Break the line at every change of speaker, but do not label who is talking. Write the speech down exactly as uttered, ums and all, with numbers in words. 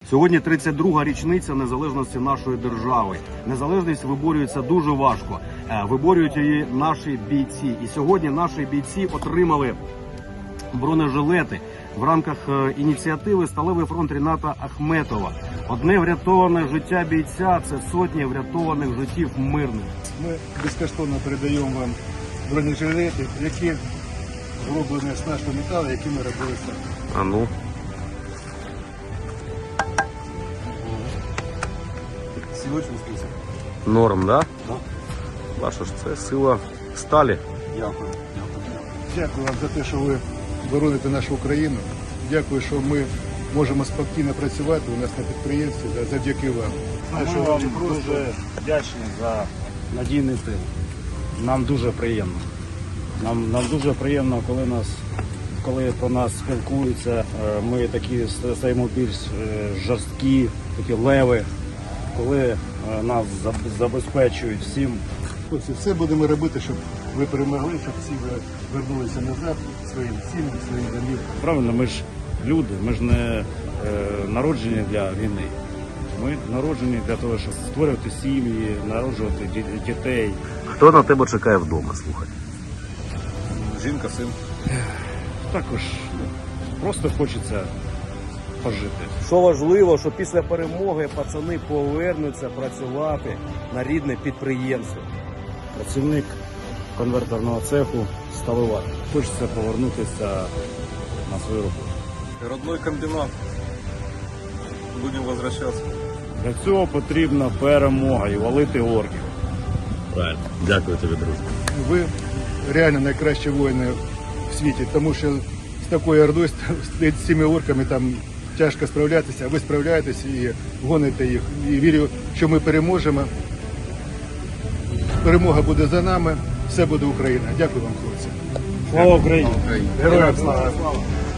Сьогодні тридцять друга річниця незалежності нашої держави. Незалежність виборюється дуже важко. Е, Виборюють її наші бійці. І сьогодні наші бійці отримали бронежилети в рамках е, ініціативи «Сталевий фронт» Ріната Ахметова. Одне врятоване життя бійця – це сотні врятованих життів мирних.
Ми безкоштовно передаємо вам бронежилети, які зроблені з нашого металу, які ми робили самі.
А ну.
Сілочний список.
Норм, да?
Так.
Бачиш, це сила сталі.
Дякую. Дякую вам за те, що ви бороните нашу Україну. Дякую, що ми можемо спокійно працювати у нас на підприємстві завдяки вам. Знаю,
Ми
що
вам
ви просто
дуже вдячні за надійний тил. Нам дуже приємно. Нам, нам дуже приємно, коли нас, коли про нас спілкуються. Е, Ми такі стаємо більш е, жорсткі, такі леви, коли е, нас заб- забезпечують всім.
хлопці, все будемо робити, щоб ви перемогли, щоб всі ви вернулися назад своїм сім'ям, своїм домівкам.
Правильно, ми ж люди, ми ж не е, народжені для війни. Ми народжені для того, щоб створювати сім'ї, народжувати ді- дітей.
Хто на тебе чекає вдома, слухай?
Жінка, син.
Також ну, просто хочеться пожити.
Що важливо, що після перемоги пацани повернуться працювати на рідне підприємство.
Працівник конвертерного цеху сталевар. Хочеться повернутися на свою роботу.
Родной комбинат. Будем возвращаться.
Для цього потрібна перемога і валити орків.
Правильно. Дякую тобі, друже.
Ви реально найкращі воїни в світі, тому що з такою ордою, з цими орками там тяжко справлятися, а ви справляєтесь і гоните їх. І вірю, що ми переможемо. Перемога буде за нами, все буде Україна. Дякую вам, хлопці.
Слава Україні!
Героям слава!